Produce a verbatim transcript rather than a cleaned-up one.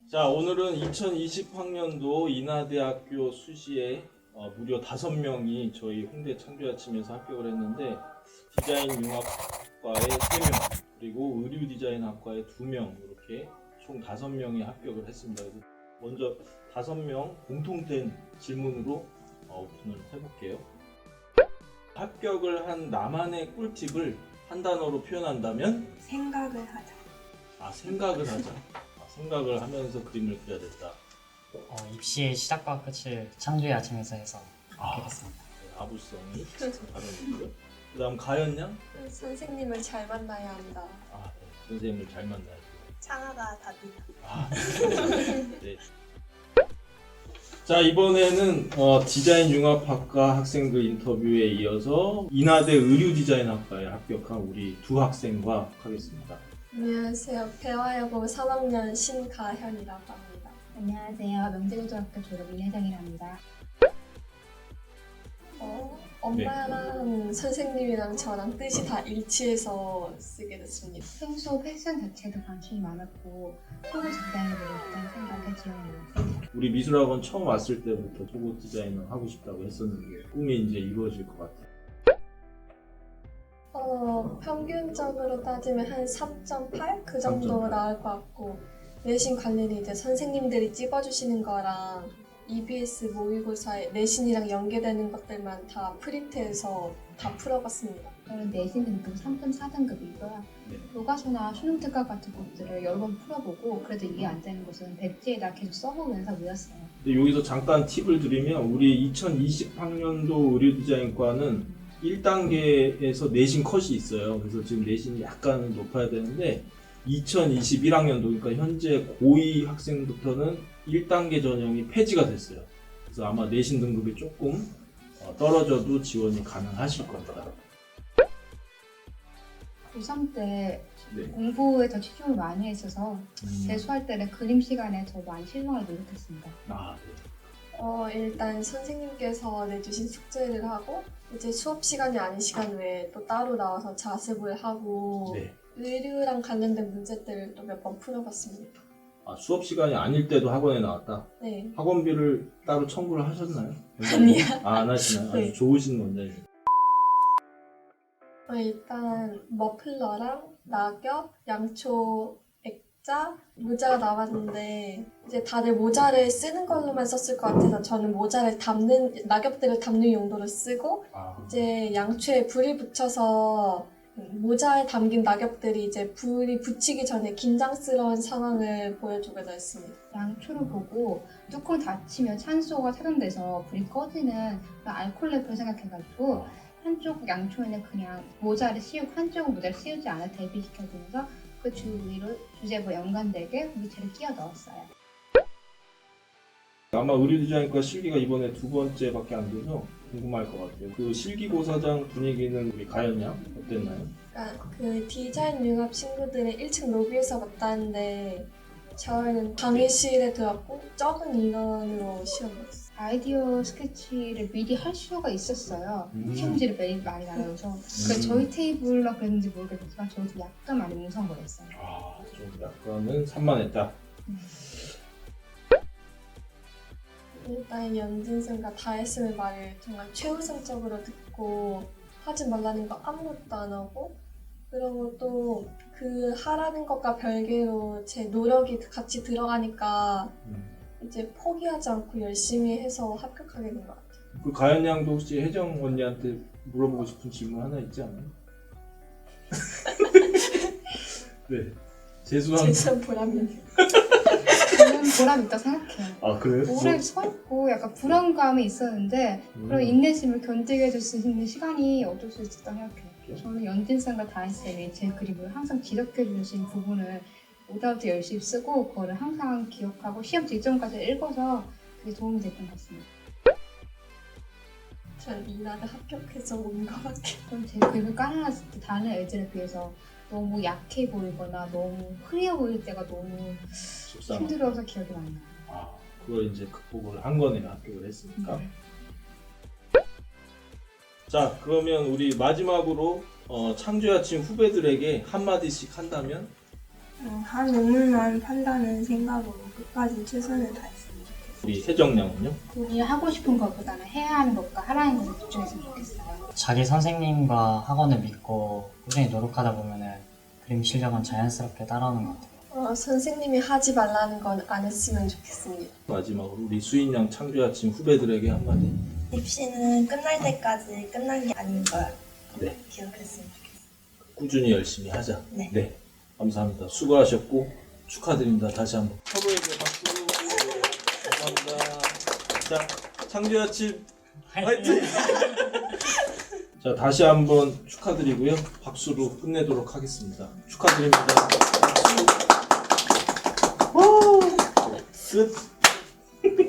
자, 오늘은 이천이십 학년도 인하대학교 수시에 어, 무려 다섯 명이 저희 홍대 창조아침에서 합격을 했는데, 디자인 융합과에 세 명, 그리고 의류 디자인 학과에 두 명, 이렇게 총 다섯 명이 합격을 했습니다. 그래서 먼저 다섯 명 공통된 질문으로 어, 오픈을 해볼게요. 합격을 한 나만의 꿀팁을 한 단어로 표현한다면? 생각을 하자. 아, 생각을 하자. 아, 생각을 하면서 그림을 그려야 됐다. 어, 입시의 시작과 끝을 창조의 아침에서 해서 아. 합격했습니다. 아부성이 다르고요. 그다음 가연 양. 선생님을 잘 만나야 한다. 아, 네. 선생님을 잘 만나야죠. 창아가 답이다. 아, 네. 자, 이번에는 어, 디자인 융합학과 학생들 인터뷰에 이어서 인하대 의류 디자인학과에 합격한 우리 두 학생과 하겠습니다. 안녕하세요. 배화여고 삼 학년 신가현이라고 합니다. 안녕하세요. 명재고등학교 졸업 이혜정이랍니다. 어, 엄마랑 선생님이랑 저랑 뜻이 다 일치해서 쓰게 됐습니다. 평소 패션 자체도 관심이 많았고 속옷 디자인을 배우겠다는 생각에 지원해요. 우리 미술학원 처음 왔을 때부터 속옷 디자이너 하고 싶다고 했었는데 꿈이 이제 이루어질 것 같아요. 어, 평균적으로 따지면 한 삼 점 팔? 그 정도 삼 점 팔. 나올 것 같고, 내신 관리는 이제 선생님들이 찍어주시는 거랑 이비에스 모의고사에 내신이랑 연계되는 것들만 다 프린트해서 다 풀어봤습니다. 저는 내신 등급 삼 점 사 등급이고요. 네. 교과서나 수능 특강 같은 것들을 여러 번 풀어보고 그래도 이해 안 되는 것은 백지에다 계속 써보면서 외웠어요. 근데 여기서 잠깐 팁을 드리면 우리 이천이십 학년도 의류 디자인과는 일 단계에서 내신 컷이 있어요. 그래서 지금 내신이 약간 높아야 되는데 이천이십일 학년도, 그러니까 현재 고이 학생부터는 일 단계 전형이 폐지가 됐어요. 그래서 아마 내신 등급이 조금 떨어져도 지원이 가능하실 겁니다. 고삼 때 네. 공부에 더 치중을 많이 했어서 음. 재수할 때는 그림 시간에 더 많이 실망을 노력했습니다. 아, 네. 어, 일단 선생님께서 내주신 숙제를 하고 이제 수업 시간이 아닌 시간 외에 또 따로 나와서 자습을 하고 네. 의류랑 관련된 문제들을 또 몇 번 풀어봤습니다. 아, 수업 시간이 아닐 때도 학원에 나왔다. 네. 학원비를 따로 청구를 하셨나요? 아니요. 아, 안 하시나요? 아주 네. 좋으신 원장님. 어, 일단 머플러랑 낙엽, 양초, 액자, 모자가 나왔는데 이제 다들 모자를 쓰는 걸로만 썼을 것 같아서 저는 모자를 담는, 낙엽들을 담는 용도로 쓰고 아, 이제 양초에 불이 붙여서 모자에 담긴 낙엽들이 이제 불이 붙이기 전에 긴장스러운 상황을 보여주고자 했습니다. 양초를 보고 뚜껑 닫히면 산소가 차단돼서 불이 꺼지는 그런 알코올 랩을 생각해가지고 한쪽 양초에는 그냥 모자를 씌우고 한쪽은 모자를 씌우지 않아 대비시켜주면서 그 주위로 주제와 연관되게 물체를 끼워 넣었어요. 아마 의류 디자인과 실기가 이번에 두 번째밖에 안 돼서 궁금할 것 같아요. 그 실기고사장 분위기는 우리 가연 양 어땠나요? 그러니까 그 디자인 융합 친구들은 일 층 로비에서 봤다는데 저희는 강의실에 들어갔고 적은 인원으로 시험 봤어요. 아이디어 스케치를 미리 할 수가 있었어요. 음. 시험지를 매일 많이 나눠서 그래서 저희 테이블로 그랬는지 모르겠지만 저도 약간 많이 웅성거렸어요. 아, 좀 약간은 산만했다. 일단 연진쌤과 다혜쌤의 말을 정말 최우선적으로 듣고 하지 말라는 거 아무것도 안 하고, 그리고 또 그 하라는 것과 별개로 제 노력이 같이 들어가니까 음. 이제 포기하지 않고 열심히 해서 합격하게 된 것 같아요. 그 가연 양도 혹시 혜정 언니한테 물어보고 싶은 질문 하나 있지 않아요? 네. 재수한. 재수한 보람이. 저는 보람 있다고 생각해요. 아, 그래요? 오래 서 있고 약간 불안감이 있었는데 음. 그런 인내심을 견디게 해줄 수 있는 시간이 어쩔 수 있었다고 생각해요. 저는 연진쌤과 다혜쌤이 제 그림을 항상 지적해 주신 부분을 오다부터 열심히 쓰고 그거를 항상 기억하고 시험 직전까지 읽어서 그게 도움이 됐던 것 같습니다. 전 이나대 합격해서 온 거밖에. 저는 제 그림을 깔아놨을 때 다른 애들에 비해서 너무 약해 보이거나 너무 흐려 보일 때가 너무 속상. 힘들어서 기억이 많이 나요. 아, 그걸 이제 극복을 한 거네요. 합격을 했으니까. 네. 자, 그러면 우리 마지막으로 어, 창조의 아침 후배들에게 한마디씩 한다면? 어, 한 논문만 판다는 생각으로 끝까지 최선을 다했으면 좋겠어요. 우리 혜정양은요? 본인이 하고 싶은 것보다는 해야 하는 것과 하라는 것에 집중했으면 좋겠어요. 자기 선생님과 학원을 믿고 꾸준히 노력하다 보면은 그림 실력은 자연스럽게 따라오는 것 같아요. 어, 선생님이 하지 말라는 건 안 했으면 좋겠습니다. 마지막으로 우리 수인양 창조의 아침 후배들에게 한마디. 입시는 끝날 때까지 끝난 게 아닌 걸 네. 기억했으면 좋겠어요. 꾸준히 열심히 하자. 네. 감사합니다. 수고하셨고 축하드립니다. 다시 한번. 서로에게 박수. 네, 감사합니다. 자, 창조의 아침 화이팅! 자, 다시 한번 축하드리고요. 박수로 끝내도록 하겠습니다. 축하드립니다. 박수. 끝.